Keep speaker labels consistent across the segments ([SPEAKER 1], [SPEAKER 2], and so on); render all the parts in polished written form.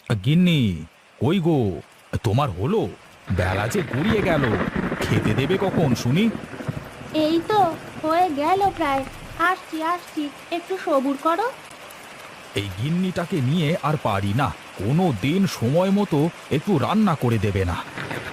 [SPEAKER 1] গিন্নি, কই গো? তোমার হলো? বেলা যে গড়িয়ে গেল। খেতে দেবে কখন শুনি?
[SPEAKER 2] এই তো হয়ে গেল প্রায়। আসছি আসছি, একটু সবুর করো।
[SPEAKER 1] এই গিন্নিটাকে নিয়ে আর পারি না। কোনো দিন সময় মতো একটু রান্না করে দেবে না।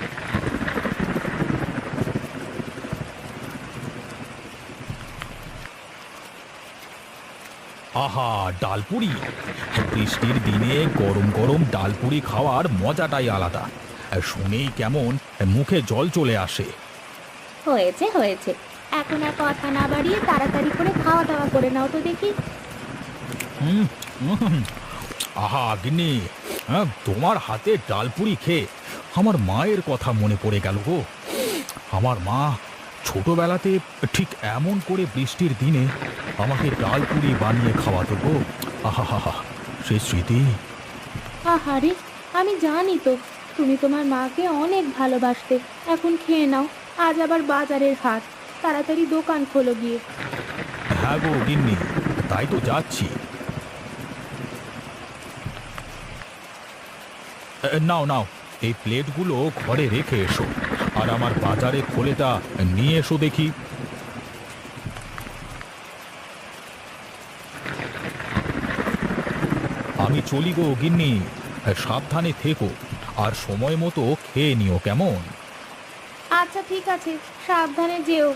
[SPEAKER 1] আহা, ডালপুরি! বৃষ্টির দিনে গরম গরম ডালপুরি খাওয়ার মজাটাই আলাদা। শুনেই কেমন মুখে জল চলে আসে।
[SPEAKER 2] হয়েছে হয়েছে, এখন আর কথা না বাড়িয়ে তাড়াতাড়ি করে খাওয়া দাওয়া করে নাও তো দেখি।
[SPEAKER 1] হুম, হুম, আহা গিন্নি, তোমার হাতে ডালপুরি খেয়ে আমার মায়ের কথা মনে পড়ে গেল গো। আমার মা ছোটবেলাতে ঠিক এমন করে বৃষ্টির দিনে আমাকে ডালপুরি বানিয়ে খাওয়াতো গো। আহা হা হা, সে স্মৃতি।
[SPEAKER 2] আহারে, আমি জানি তো তুমি তোমার মাকে অনেক ভালোবাসতে। এখন খেয়ে নাও, আজ আবার বাজারের হাট, তাড়াতাড়ি দোকান খোলো গিয়ে।
[SPEAKER 1] হ্যাঁ গো গিন্নি, তাই তো যাচ্ছি। নাও নাও, এই প্লেটগুলো ঘরে রেখে এসো, আর আমার বাজারে খোলেটা নিয়ে এসো দেখি। আমি চলি গো গিন্নি, সাবধানে থেকো, আর সময় মতো খেয়ে নিও কেমন।
[SPEAKER 2] আচ্ছা ঠিক আছে, সাবধানে যেও।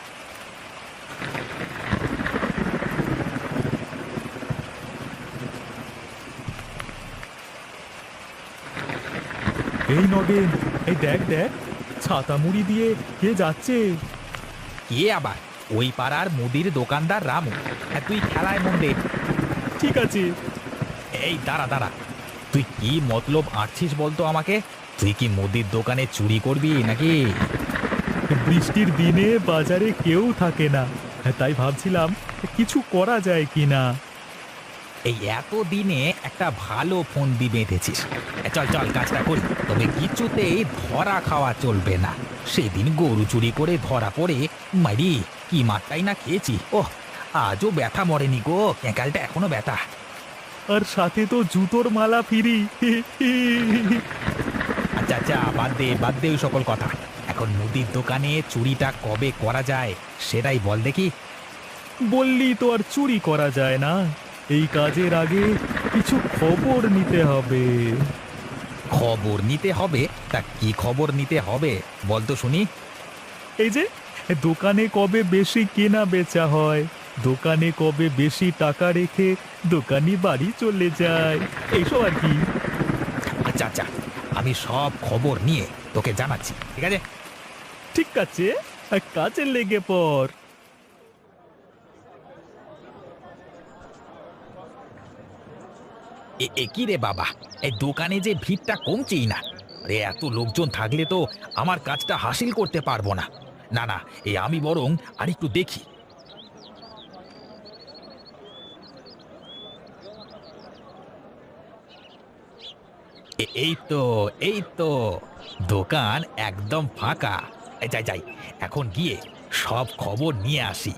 [SPEAKER 1] এই নগেন, এই দেখ দেখ, ছাতা মুড়ি দিয়ে কে যাচ্ছে?
[SPEAKER 3] কে আবার? ওই পাড়ার মুদির দোকানদার রামু। তুই খেলায় মন দে।
[SPEAKER 1] ঠিক আছে।
[SPEAKER 3] এই দাঁড়া দাঁড়া, তুই কি মতলব আঁটছিস বলতো আমাকে? তুই কি মুদির দোকানে চুরি করবি নাকি?
[SPEAKER 1] বৃষ্টির দিনে বাজারে কেউ থাকে না, তাই ভাবছিলাম কিছু করা যায় কিনা।
[SPEAKER 3] এই এত দিনে একটা ভালো ফন্দি বেঁধেছিস। চল চল কাজটা করি, তবে কিছুতেই ধরা খাওয়া চলবে না। সেদিন গরু চুরি করে ধরা পড়ে মারি কি মারটাই না খেয়েছি। ওহ, আজও ব্যথা মরেনি গো, ক্যাঁকালটা এখনো ব্যথা।
[SPEAKER 1] আর সাথে তো জুতোর মালা ফিরি।
[SPEAKER 3] আচ্ছা আচ্ছা, বাদ দে ওই সকল কথা। এখন মুদির দোকানে চুরিটা কবে করা যায় সেটাই বল দেখি।
[SPEAKER 1] বললি তো আর চুরি করা যায় না। এই কাজের আগে কিছু খবর নিতে হবে।
[SPEAKER 3] খবর নিতে হবে? তা কি খবর নিতে হবে বল তো শুনি।
[SPEAKER 1] এই যে, দোকানে কবে বেশি কেনা বেচা হয়, দোকানে কবে বেশি টাকা রেখে দোকানি বাড়ি চলে যায়, এইসব আর কি।
[SPEAKER 3] আচ্ছা আচ্ছা, আমি সব খবর নিয়ে তোকে জানাচ্ছি, ঠিক আছে?
[SPEAKER 1] ঠিক আছে, কাজে লেগে পড়।
[SPEAKER 3] এ কি রে বাবা, এই দোকানে যে ভিড়টা কমছেই না। আরে এত লোকজন থাকলে তো আমার কাজটা হাসিল করতে পারবো না। না না, এই আমি বরং আরেকটু দেখি। এই তো দোকান একদম ফাঁকা। যাই যাই, এখন গিয়ে সব খবর নিয়ে আসি।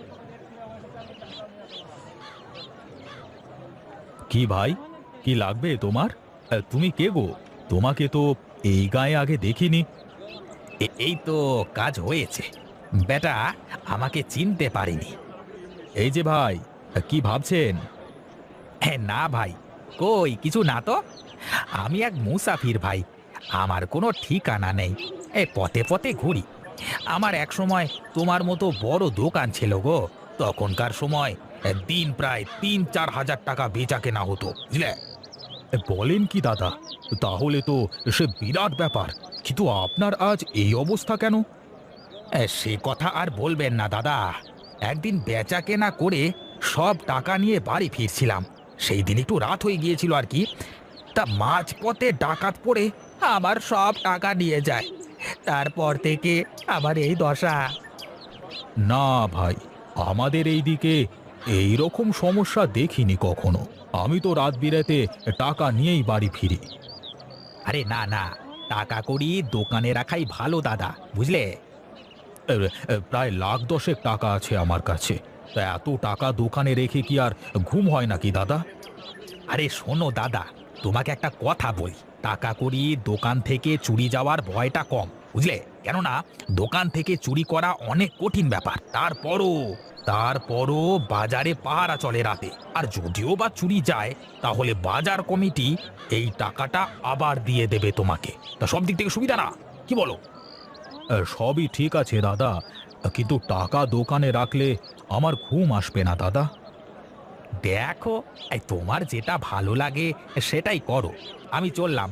[SPEAKER 1] কি ভাই, কি লাগবে তোমার? তুমি কে গো? তোমাকে তো এই গায়ে আগে দেখিনি।
[SPEAKER 3] এই তো কাজ হয়েছে। বেটা আমাকে চিনতে পারেনি।
[SPEAKER 1] এই যে ভাই, কি ভাবছেন?
[SPEAKER 3] না ভাই, কই কিছু না তো। আমি এক মুসাফির ভাই, আমার কোনো ঠিকানা নেই। পথে পথে ঘুরি। আমার এক সময় তোমার মতো বড় দোকান ছিল গো। তখনকার সময় দিন প্রায় ৩-৪ হাজার টাকা বেচা কেনা হতো, বুঝলে?
[SPEAKER 1] বলেন কি দাদা? তাহলে তো সে বিরাট ব্যাপার, কিন্তু আপনার আজ এই অবস্থা কেন?
[SPEAKER 3] সে কথা আর বলবেন না দাদা। একদিন বেচা কেনা করে সব টাকা নিয়ে বাড়ি ফিরছিলাম। সেই দিন একটু রাত হয়ে গিয়েছিল আর কি। তা মাঝপথে ডাকাত পড়ে আমার সব টাকা নিয়ে যায়। তারপর থেকে আমার এই দশা।
[SPEAKER 1] না ভাই, আমাদের এই দিকে এই রকম সমস্যা দেখিনি কখনো। আমি তো রাত বিরেতে টাকা নিয়েই বাড়ি ফিরি।
[SPEAKER 3] আরে না না, টাকা কড়ি দোকানে রাখাই ভালো দাদা, বুঝলে?
[SPEAKER 1] প্রায় লাখ দশেক টাকা আছে আমার কাছে। তা এত টাকা দোকানে রেখে কি আর ঘুম হয় নাকি দাদা?
[SPEAKER 3] আরে শোনো দাদা, তোমাকে একটা কথা বলি, টাকা কড়ি দোকান থেকে চুরি যাওয়ার ভয়টা কম, বুঝলে? কেননা দোকান থেকে চুরি করা অনেক কঠিন ব্যাপার। তারপরও বাজারে পাহারা চলে রাতে। আর যদিও বা চুরি যায়, তাহলে বাজার কমিটি এই টাকাটা আবার দিয়ে দেবে তোমাকে। তা সব দিক থেকে সুবিধা না, কি বলো?
[SPEAKER 1] সবই ঠিক আছে দাদা, কিন্তু টাকা দোকানে রাখলে আমার ঘুম আসবে না দাদা।
[SPEAKER 3] দেখো, এই তোমার যেটা ভালো লাগে সেটাই করো। আমি চললাম।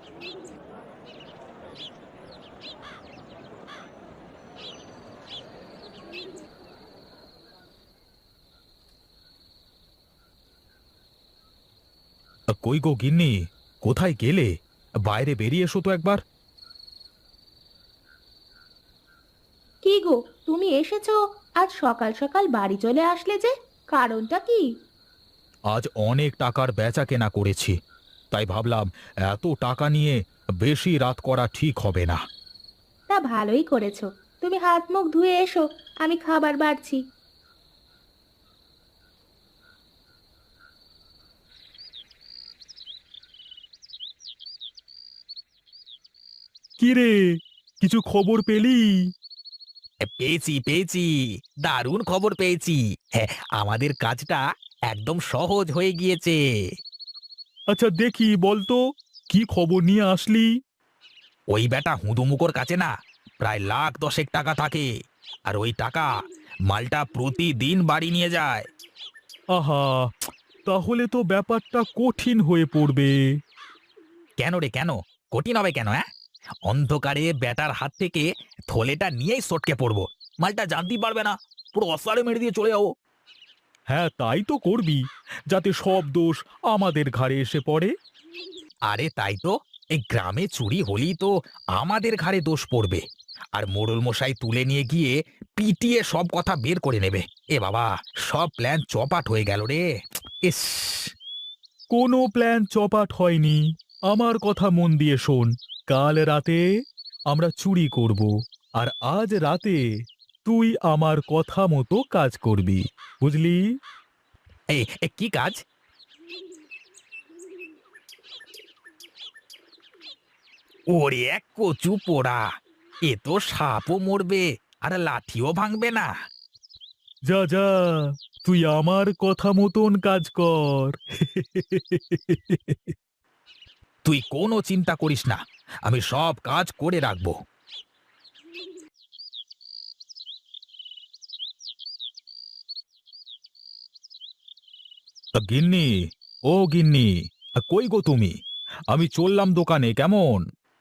[SPEAKER 1] কই গো গিন্নি, কোথায় গেলে? বাইরে বেরিয়ে এসো তো একবার।
[SPEAKER 2] কি গো, তুমি এসেছো? আজ সকাল সকাল বাড়ি চলে আসলে যে, কারণটা কি?
[SPEAKER 1] আজ অনেক টাকার বেচা কেনা করেছি, তাই ভাবলাম এত টাকা নিয়ে বেশি রাত করা ঠিক হবে না।
[SPEAKER 2] তা ভালোই করেছো। তুমি হাত মুখ ধুয়ে এসো, আমি খাবার বাড়ছি।
[SPEAKER 1] কি রে, কিছু খবর পেলি?
[SPEAKER 3] পেয়েছি, দারুণ খবর পেয়েছি। হ্যাঁ, আমাদের কাজটা একদম সহজ হয়ে গিয়েছে।
[SPEAKER 1] আচ্ছা দেখি বলতো, কি খবর নিয়ে আসলি?
[SPEAKER 3] ওই বেটা হুঁদুমুকোর কাছে না প্রায় লাখ দশেক টাকা থাকে, আর ওই টাকা মালটা প্রতিদিন বাড়ি নিয়ে যায়।
[SPEAKER 1] আহা, তাহলে তো ব্যাপারটা কঠিন হয়ে পড়বে।
[SPEAKER 3] কেন রে, কেন? কঠিন হবে কেন? হ্যাঁ, অন্ধকারে বেটার হাত থেকে থলেটা নিয়েই সটকে পড়বো। মালটা জানতেই পারবে না, পুরো অসারে মেরে দিয়ে চলে যাবো।
[SPEAKER 1] হ্যাঁ, তাই তো করবি, যাতে সব দোষ আমাদের ঘাড়ে এসে পড়ে।
[SPEAKER 3] আরে তাই তো, এই গ্রামে চুরি হলেই তো আমাদের ঘাড়ে দোষ পড়বে। আর মোড়ল মশাই তুলে নিয়ে গিয়ে পিটিয়ে সব কথা বের করে নেবে। এ বাবা, সব প্ল্যান চপাট হয়ে গেল রে। ইস!
[SPEAKER 1] কোনো প্ল্যান চপাট হয়নি। আমার কথা মন দিয়ে শোন। কাল রাতে আমরা চুরি করব, আর আজ রাতে তুই আমার কথা মতো কাজ করবি, বুঝলি?
[SPEAKER 3] কি কাজ? ওরে এক কচু পোড়া, এ তো সাপও মরবে আর লাঠিও ভাঙবে না।
[SPEAKER 1] যা যা, তুই আমার কথা মতন কাজ কর।
[SPEAKER 3] তুই কোনো চিন্তা করিস না, আমি সব কাজ করে রাখবো।
[SPEAKER 1] গিন্নি, ও গিন্নি, কই গো তুমি? আমি চললাম দোকানে, কেমন?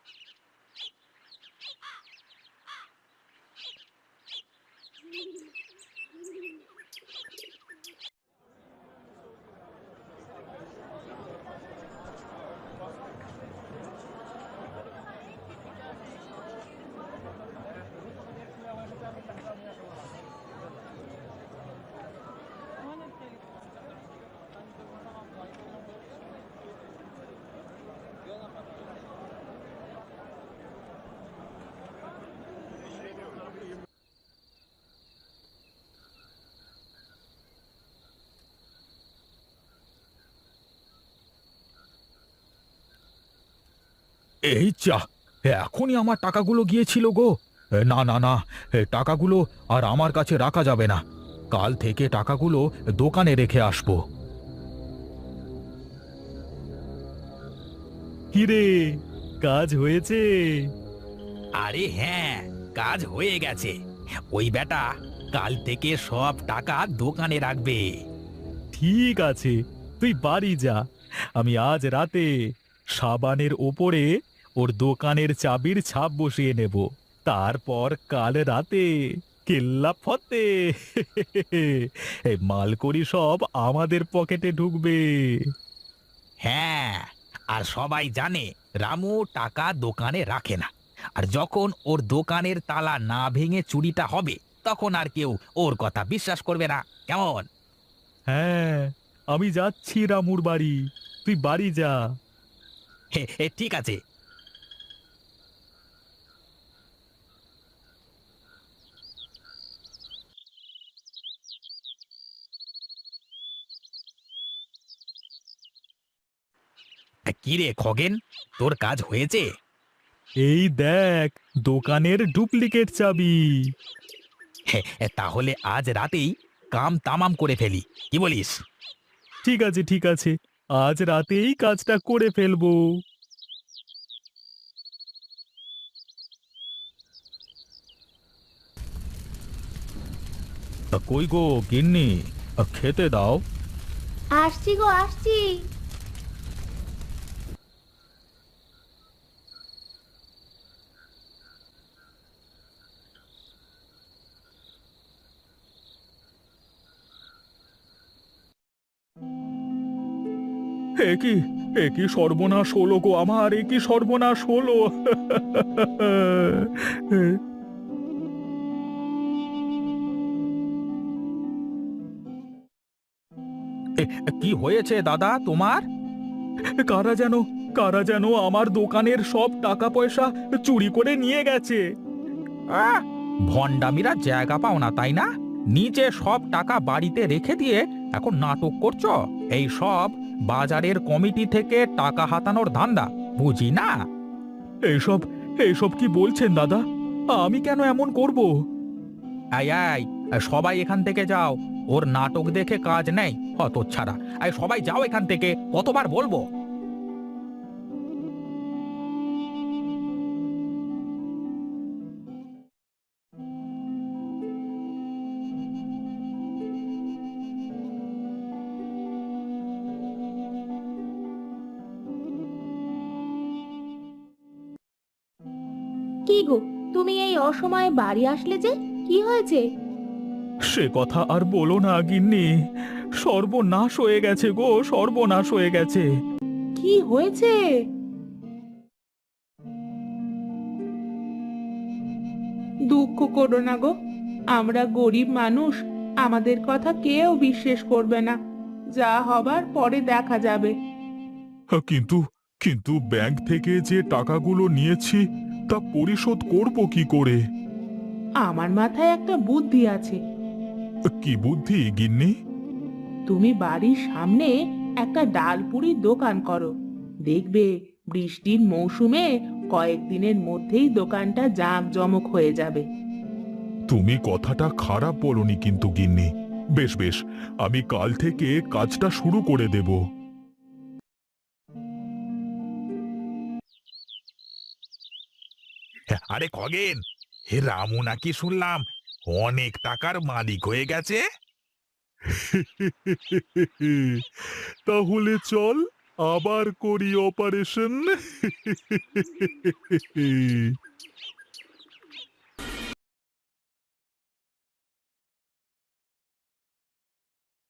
[SPEAKER 1] এই যা, এখনই আমার টাকাগুলো গিয়েছিল গো। না না না, টাকাগুলো আর আমার কাছে রাখা যাবে না। কাল থেকে টাকাগুলো দোকানে রেখে আসবো। কিরে, কাজ হয়েছে?
[SPEAKER 3] আরে হ্যাঁ, কাজ হয়ে গেছে। ওই বেটা কাল থেকে সব টাকা দোকানে রাখবে।
[SPEAKER 1] ঠিক আছে, তুই বাড়ি যা। আমি আজ রাতে সাবানের ওপরে ওর দোকানের চাবির ছাপ বসিয়ে নেব। তারপর কাল রাতে কেল্লা ফতে এই মালকড়ি সব আমাদের পকেটে ঢুকবে।
[SPEAKER 3] হ্যাঁ, আর সবাই জানে রামু টাকা দোকানে রাখে না। আর যখন ওর দোকানের তালা না ভেঙে চুরিটা হবে, তখন আর কেউ ওর কথা বিশ্বাস করবে না। কেমন?
[SPEAKER 1] হ্যাঁ, আমি যাচ্ছি রামুর বাড়ি, তুই বাড়ি যা।
[SPEAKER 3] ঠিক আছে। কি রে খগেন, তোর কাজ হয়েছে?
[SPEAKER 1] এই দেখ, দোকানের ডুপ্লিকেট চাবি।
[SPEAKER 3] তাহলে আজ রাতেই কাম তামাম করে ফেলি, কি বলিস?
[SPEAKER 1] ঠিক আছে, ঠিক আছে, আজ রাতেই কাজটা করে ফেলবো। তা কই গো গিন্নি, খেতে দাও।
[SPEAKER 2] আসছি গো, আসছি।
[SPEAKER 1] একি, একি সর্বনাশ হলো গো আমার, একি সর্বনাশ হলো।
[SPEAKER 3] কি হয়েছে দাদা তোমার?
[SPEAKER 1] কারা যেন, কারা যেন আমার দোকানের সব টাকা পয়সা চুরি করে নিয়ে গেছে।
[SPEAKER 3] আহ, ভণ্ডামিরা জায়গা পাও না তাই না? নিচে সব টাকা বাড়িতে রেখে দিয়ে এখন নাটক করছো। এই সব বাজারের কমিটি থেকে টাকা হাতানোর ধান্দা, বুঝি না?
[SPEAKER 1] এইসব, এইসব কি বলছেন দাদা? আমি কেন এমন করব?
[SPEAKER 3] আই আই, সবাই এখান থেকে যাও। ওর নাটক দেখে কাজ নেই, হতচ্ছাড়া। আই সবাই যাও এখান থেকে, কতবার বলবো?
[SPEAKER 2] কি গো, তুমি এই অসময়ে বাড়ি আসলে যে? কি হয়েছে?
[SPEAKER 1] সে কথা আর বলো না গিন্নি, সর্বনাশ হয়ে গেছে গো, সর্বনাশ হয়ে গেছে।
[SPEAKER 2] কি হয়েছে? দুঃখ করো না গো, আমরা গরিব মানুষ, আমাদের কথা কেউ বিশ্বাস করবে না। যা হবার পরে দেখা যাবে।
[SPEAKER 1] কিন্তু, কিন্তু ব্যাংক থেকে যে টাকাগুলো নিয়েছি তা পরিশোধ করব কি করে?
[SPEAKER 2] আমার মাথায় একটা বুদ্ধি আছে।
[SPEAKER 1] কি বুদ্ধি গিন্নি?
[SPEAKER 2] তুমি বাড়ির সামনে একটা ডালপুরির দোকান করো, দেখবে বৃষ্টির মৌসুমে কয়েকদিনের মধ্যেই দোকানটা জাঁকজমক হয়ে যাবে।
[SPEAKER 1] তুমি কথাটা খারাপ বলনি কিন্তু গিন্নি। বেশ বেশ, আমি কাল থেকে কাজটা শুরু করে দেব।
[SPEAKER 4] আরে খগেন, হে রামু নাকি শুনলাম অনেক টাকার মালিক হয়ে গেছে।
[SPEAKER 1] তাহলে চল আবার করি অপারেশন।